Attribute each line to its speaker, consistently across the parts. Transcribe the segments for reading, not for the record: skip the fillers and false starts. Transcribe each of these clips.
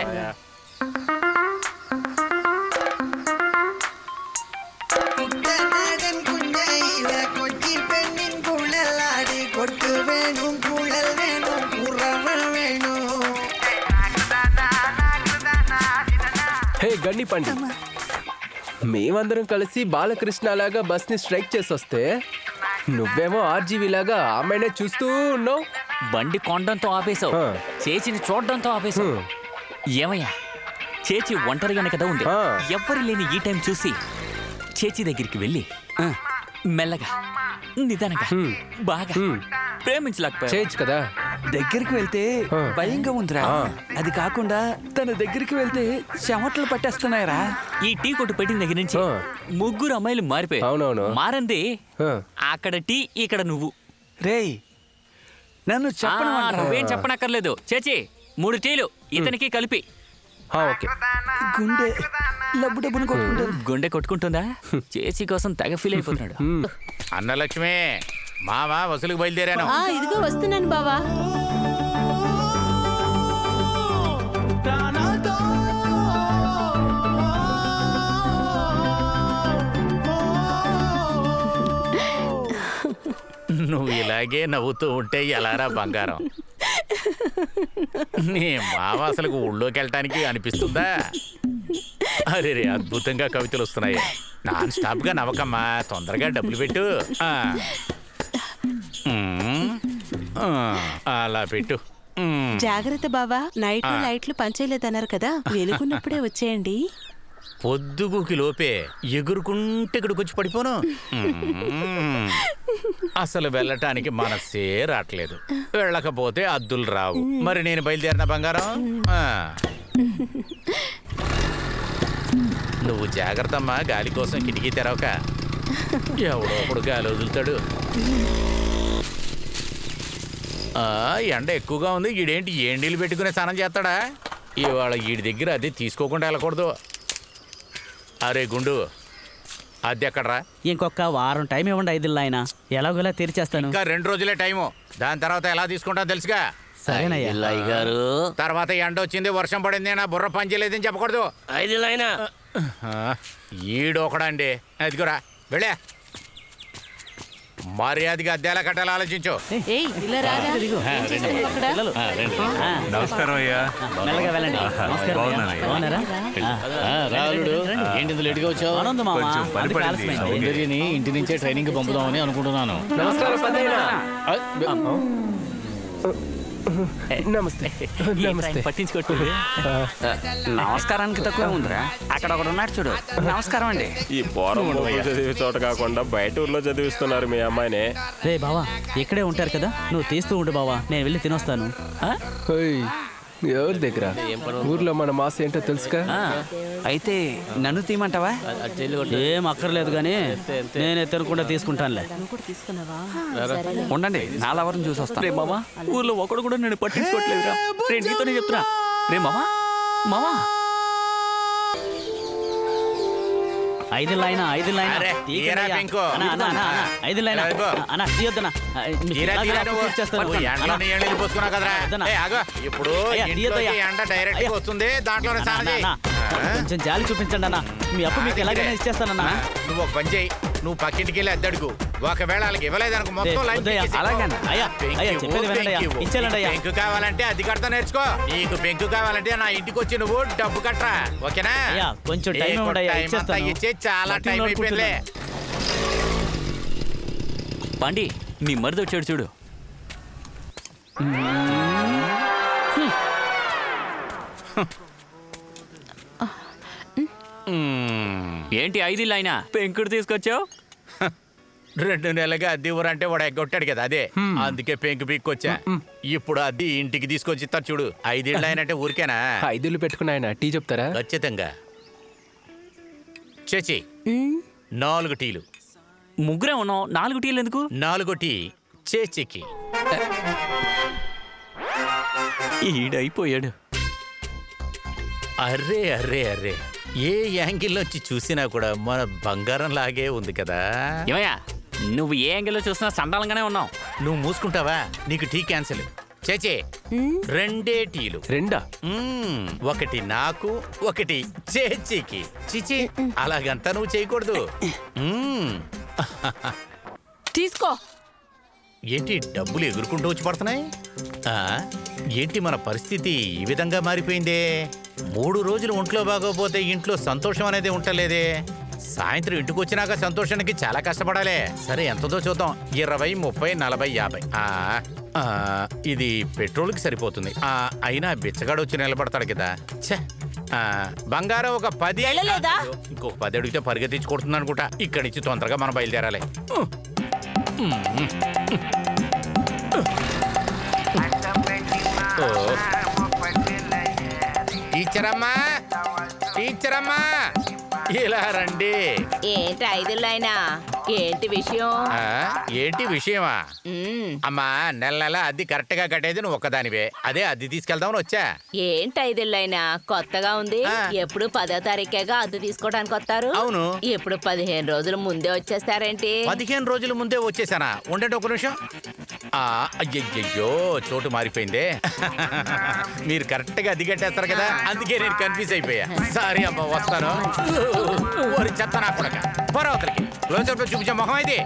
Speaker 1: హే గండి పండి, మేమందరం కలిసి బాలకృష్ణలాగా బస్ ని స్ట్రైక్ చేసి వస్తే నువ్వేమో ఆర్జీవి లాగా ఆమెనే చూస్తూ ఉన్నావు.
Speaker 2: బండి కొండంతో ఆపేశావు, చేచిని చూడడంతో ఆపేశావు. ఏమయ్యా, చేచి ఒంటరిగానే కదా ఉంది. ఎవ్వరు లేని ఈ టైం చూసి చేచి దగ్గరికి వెళ్ళి మెల్లగా నిదానంగా బాగా ప్రేమించలేకపోయా.
Speaker 1: చేయొచ్చు కదా.
Speaker 3: దగ్గరికి వెళ్తే భయంగా ఉందిరా. అది కాకుండా తన దగ్గరికి వెళ్తే చెమటలు పట్టేస్తున్నాయరా.
Speaker 2: ఈ టీ కొట్టు పెట్టిన దగ్గర నుంచి ముగ్గురు అమ్మాయిలు మారిపోయారు.
Speaker 1: అవునవును.
Speaker 2: మారంది అక్కడ టీ, ఇక్కడ నువ్వు.
Speaker 3: రేయ్, నన్ను
Speaker 2: నువ్వేం చెప్పనక్కర్లేదు. చేచి 3 టీలు ఇతనికి కలిపి.
Speaker 1: ఓకే.
Speaker 3: గుండె లబ్బు డబ్బును కొట్టుకుంటుంది.
Speaker 2: గుండె కొట్టుకుంటుందా? చేచి కోసం తెగ ఫీల్ అయిపోతున్నాడు.
Speaker 4: అన్నలక్ష్మి, మావా వసూలుకు బయలుదేరాను.
Speaker 5: ఇదిగో వస్తున్నాను బావా.
Speaker 4: నువ్వు ఇలాగే నవ్వుతూ ఉంటే ఎలారా బంగారం? నీ మావ అసలు ఊళ్ళోకి వెళ్ళటానికి అనిపిస్తుందా? అరే రే, అద్భుతంగా కవితలు వస్తున్నాయి. నాన్ స్టాప్ గా నవ్వకమ్మా, తొందరగా డబ్బులు పెట్టు. అలా పెట్టు.
Speaker 5: జాగ్రత్త బావా, నైట్ లైట్లు పనిచేయలేదన్నారు కదా, వెలుగున్నప్పుడే వచ్చేయండి.
Speaker 4: పొద్దుగుకి లోపే ఎగురుకుంటే ఇక్కడికి వచ్చి పడిపోను. అసలు వెళ్ళటానికి మనసే రావట్లేదు. వెళ్ళకపోతే అద్దులు రావు. మరి నేను బయలుదేరిన బంగారం. నువ్వు జాగ్రత్త అమ్మా, గాలి కోసం కిటికీ తెరవక. ఎవడో ఒకడు గాలి వదులుతాడు. ఎండ ఎక్కువగా ఉంది. ఈడేంటి ఏండీలు పెట్టుకునే స్నానం చేస్తాడా? ఇవాళ ఈడి దగ్గర అది తీసుకోకుండా వెళ్ళకూడదు. అరే గుండు, అది ఎక్కడరా?
Speaker 6: ఇంకొక వారం టైం ఇవ్వండి. 5 ఆయన ఎలాగోలా తీర్చేస్తాను.
Speaker 4: ఇంకా 2 రోజులే టైము. దాని తర్వాత ఎలా తీసుకుంటా తెలుసుగా.
Speaker 6: సరేనయ్యా
Speaker 2: గారు.
Speaker 4: తర్వాత ఎండ వచ్చింది, వర్షం పడింది, నా బుర్ర పని చేయలేదని చెప్పకూడదు.
Speaker 2: 5 ఆయన
Speaker 4: ఈడొకడండి. అదిగురా, వెళ్ళే. మర్యాదగా అద్దెలా కట్టాలి ఆలోచించు.
Speaker 7: నమస్కారం అయ్యా.
Speaker 6: మెల్లగా వెళ్ళండి.
Speaker 8: ఇంటి నుంచే ట్రైనింగ్ పంపుదామని అనుకుంటున్నాను.
Speaker 1: నమస్తే. నమస్తే.
Speaker 2: పట్టించుకోట్టు.
Speaker 3: నమస్కారానికి తక్కువ ఉందిరా. అక్కడ ఒకడు ఉన్నాడు చూడు. నమస్కారం అండి.
Speaker 9: ఈ పోరం చదివే చోట కాకుండా బయట ఊర్లో చదివిస్తున్నారు మీ అమ్మాయిని.
Speaker 6: రే బావా, ఇక్కడే ఉంటారు కదా, నువ్వు తీస్తూ ఉండు బావా, నేను వెళ్ళి తినొస్తాను.
Speaker 1: ఎవరి దగ్గర? ఊర్లో మన మాస్ ఏంటో తెలుసుగా.
Speaker 3: అయితే నన్ను తీయమంటావా?
Speaker 6: ఏం అక్కర్లేదు కానీ నేనే తినకుండా తీసుకుంటానులే.
Speaker 3: ఉండండి, నా లవర్ని చూసి వస్తాను.
Speaker 2: రే మామా, ఊర్లో ఒకడు కూడా నేను పట్టించుకోవట్లేదురా. రే నీతోనే చెప్తున్నా. రే మామా, మామా
Speaker 6: 5 లైన్ 5 లైన్
Speaker 4: అరే, తీయరా పెంకు.
Speaker 6: 5 లైన్ అన్న తీయొద్దనా.
Speaker 4: ఇప్పుడు ఎండ డైరెక్ట్ వస్తుంది, దాంట్లోనే స్నానం చేయి.
Speaker 6: కొంచెం జాలి చూపించండి అన్న, మీ అప్పు మీకు ఎలాగైనా ఇచ్చేస్తానన్నా.
Speaker 4: నువ్వు ఒక పని చేయి, నువ్వు పక్కింటికి వెళ్ళి అద్దడుగు. ఒకవేళ వాళ్ళకి ఇవ్వలేదనుకో మొత్తం పెంకు కావాలంటే అది కడతా నేర్చుకో. నీకు పెంకు కావాలంటే నా ఇంటికి వచ్చి నువ్వు డబ్బు కట్టరా, ఓకేనా?
Speaker 6: కొంచెం టైం
Speaker 4: ఇచ్చే చాలా టైం అయిపోయిందిలే.
Speaker 2: పండి, నీ మరిది వచ్చాడు చూడు. ఏంటి 5 లైనా పెంకుడు తీసుకొచ్చావు?
Speaker 4: 2 నెలలుగా అద్దె ఊరంటే వాడు ఎగ్గొట్టాడు కదా, అదే అందుకే పెంకు పీక్కొచ్చా. ఇప్పుడు అద్దె ఇంటికి తీసుకొచ్చి ఇస్తారు చూడు. 5 ఏళ్ళు అయినంటే ఊరికేనా?
Speaker 1: 5 ఏళ్ళు పెట్టుకున్నాయన టీ చెప్తారా?
Speaker 4: ఖచ్చితంగా. చేచి 4 టీలు.
Speaker 2: ముగ్గురే ఉన్నాం, 4 టీలు ఎందుకు?
Speaker 4: 4 టీ చేచికి.
Speaker 2: ఈడైపోయాడు.
Speaker 4: అర్రే అర్రే అర్రే, ఏ యాంగిల్ నుంచి చూసినా కూడా మన బంగారం లాగే ఉంది కదా.
Speaker 2: ఏమయ్యా, నువ్వు ఏ యాంగిల్లో చూసినా సండాలంగానే ఉన్నావు.
Speaker 4: నువ్వు మూసుకుంటావా? నీకు టీ క్యాన్సిల్. చేచే 2 టీలు.
Speaker 1: 2
Speaker 4: ఒకటి నాకు, ఒకటి చేచికి. చిచి, అలాగంతా నువ్వు చేయకూడదు.
Speaker 5: తీసుకో.
Speaker 4: ఏంటి డబ్బులు ఎగురుకుంటూ వచ్చి పడుతున్నాయి? ఏంటి మన పరిస్థితి ఈ విధంగా మారిపోయిందే? 3 రోజులు ఒంట్లో బాగోపోతే ఇంట్లో సంతోషం అనేది ఉంటలేదే. సాయంత్రం ఇంటికి వచ్చినాక సంతోషానికి చాలా కష్టపడాలి. సరే ఎంతదో చూద్దాం. 20, 30, 40, 50. ఇది పెట్రోల్కి సరిపోతుంది. అయినా బిచ్చగాడు వచ్చి నిలబడతాడు కదా. ఛే, బంగారం ఒక 10. ఇంకొక 10 అడిగితే పరిగెత్తించి కొడుతుంది అనుకుంటా. ఇక్కడి నుంచి తొందరగా మనం బయలుదేరాలి. టీచరమ్మా, టీచరమ్మా, ఇలా రండి.
Speaker 5: ఏంటి 5 అయినా? ఏంటి విషయం?
Speaker 4: ఏంటి విషయమా? అమ్మా, నెల నెల అద్దె కరెక్ట్ గా కట్టేది నువ్వు ఒక్కదానివే. అదే అద్దె తీసుకెళ్దామని వచ్చా.
Speaker 5: ఏంటి 5 అయినా? కొత్తగా ఉంది. ఎప్పుడు 10వ తారీఖేగా అద్దె తీసుకోవడానికి వస్తారు.
Speaker 4: అవును.
Speaker 5: ఇప్పుడు 15 రోజుల ముందే వచ్చేస్తారేంటి?
Speaker 4: 15 రోజుల ముందే వచ్చేసానా? ఉండండి ఒక నిమిషం. అయ్యయ్యో, చోటు మారిపోయిందే. మీరు కరెక్ట్ గా అద్దె కట్టేస్తారు కదా, అందుకే నేను కన్ఫ్యూజ్ అయిపోయా. సారీ అమ్మా, వస్తాను. చెత్త నా కొడక, పొరవతలకి క్లోజప్ లో చూపించే మొహం అయితే.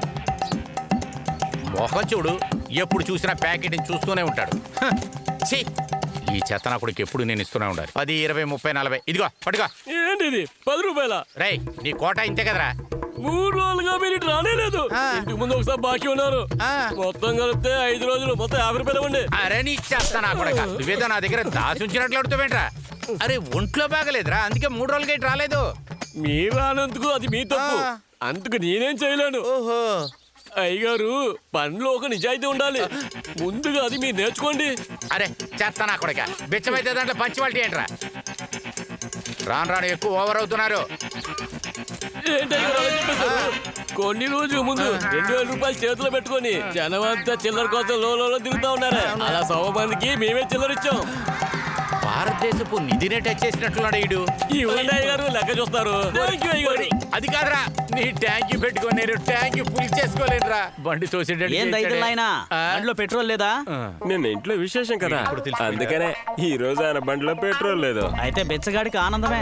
Speaker 4: మొహం చూడు, ఎప్పుడు చూసినా ప్యాకెట్ని చూస్తూనే ఉంటాడు. ఛీ, ఈ చెత్త నా కొడుకు ఎప్పుడు నేను ఇస్తూనే ఉండాలి. 10, 20, 30, 40. ఇదిగో పట్టుకో.
Speaker 6: ఏంటిది 10 రూపాయల?
Speaker 4: రై, నీ కోట ఇంతే కదరా.
Speaker 6: 3 రోజులుగా మీరు ఇటు రానేలేదు. ఇంటికి ముందు ఒకసారి బాకీ ఉన్నారు. మొత్తం కలిపితే 5 రోజులు, మొత్తం 50 రూపాయలు ఇవ్వండి.
Speaker 4: అరే నీ చెత్త నా కొడక, నువ్వేదో నా దగ్గర దాచుంచినట్లు అడుగుతావేంట్రా? అరే ఒంట్లో బాగలేదురా, అందుకే 3 రోజులకి ఇటు రాలేదు.
Speaker 6: మీరు రానందుకు అది మీ తప్పు. అందుకు నేనేం చేయలేను.
Speaker 4: ఓహో,
Speaker 6: అయ్యగారు, పనిలో ఒక నిజాయితీ ఉండాలి. ముందుగా అది మీరు నేర్చుకోండి.
Speaker 4: అరే చెత్త నా కొడక, బిచ్చమైతే దాంట్లో పంచివాల్టీ ఏంట్రా? రాను రాను ఎక్కువ ఓవర్ అవుతున్నారు.
Speaker 6: ఏంటయ్యారు అలా చెప్పేశారు? కొన్ని రోజుల ముందు 2000 రూపాయలు చేతిలో పెట్టుకొని జనమంతా చిల్లర కోసం లో తిరుగుతా ఉన్నారు. అలా 100 మందికి మేమే చిల్లర ఇచ్చాం.
Speaker 4: భారతదేశపు నిధినే టచ్ చేసినట్లున్నాడు ఈడు.
Speaker 6: ఈ గారు లెక్క చూస్తారు.
Speaker 4: అది కాదురా, నీ ట్యాంక్ పెట్టుకొని నేను ట్యాంక్ ఫుల్ చేసుకోలేనురా. బండి
Speaker 6: తోసేటో పెట్రోల్ లేదా?
Speaker 9: నిన్న ఇంట్లో విశేషం కదా, అందుకనే ఈ రోజు ఆయన బండిలో పెట్రోల్ లేదు.
Speaker 6: అయితే బెచ్చగాడికి ఆనందమే.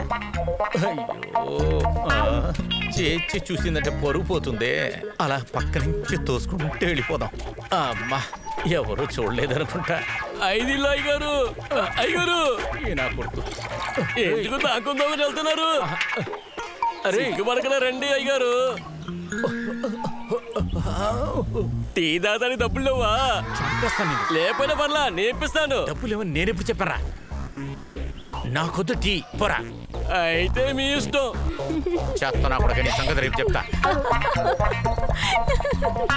Speaker 4: చేర్చి చూసిందంటే పరుగు పోతుంది. అలా పక్క నుంచి తోసుకుంటే వెళ్ళిపోదాం. అమ్మా, ఎవరు చూడలేదనుకుంటా.
Speaker 6: 5 అయ్యగారు. అయ్యగారు,
Speaker 4: నా కొడుకు
Speaker 6: ఎందుకు తాకుందామని వెళ్తున్నారు? అరే ఇంకమరకనే రండి అయ్యగారు. టీ దాదాని డబ్బులు లేవా? లేకపోయినా పర్లా, నేర్పిస్తాను.
Speaker 4: డబ్బులు ఏమో నేనెప్పుడు చెప్పారా? నాకొద్దు టీ, పోరా.
Speaker 6: అయితే మీ ఇష్టం.
Speaker 4: చేస్తా నా కొడుకు, నీ సంగతి రేపు చెప్తా.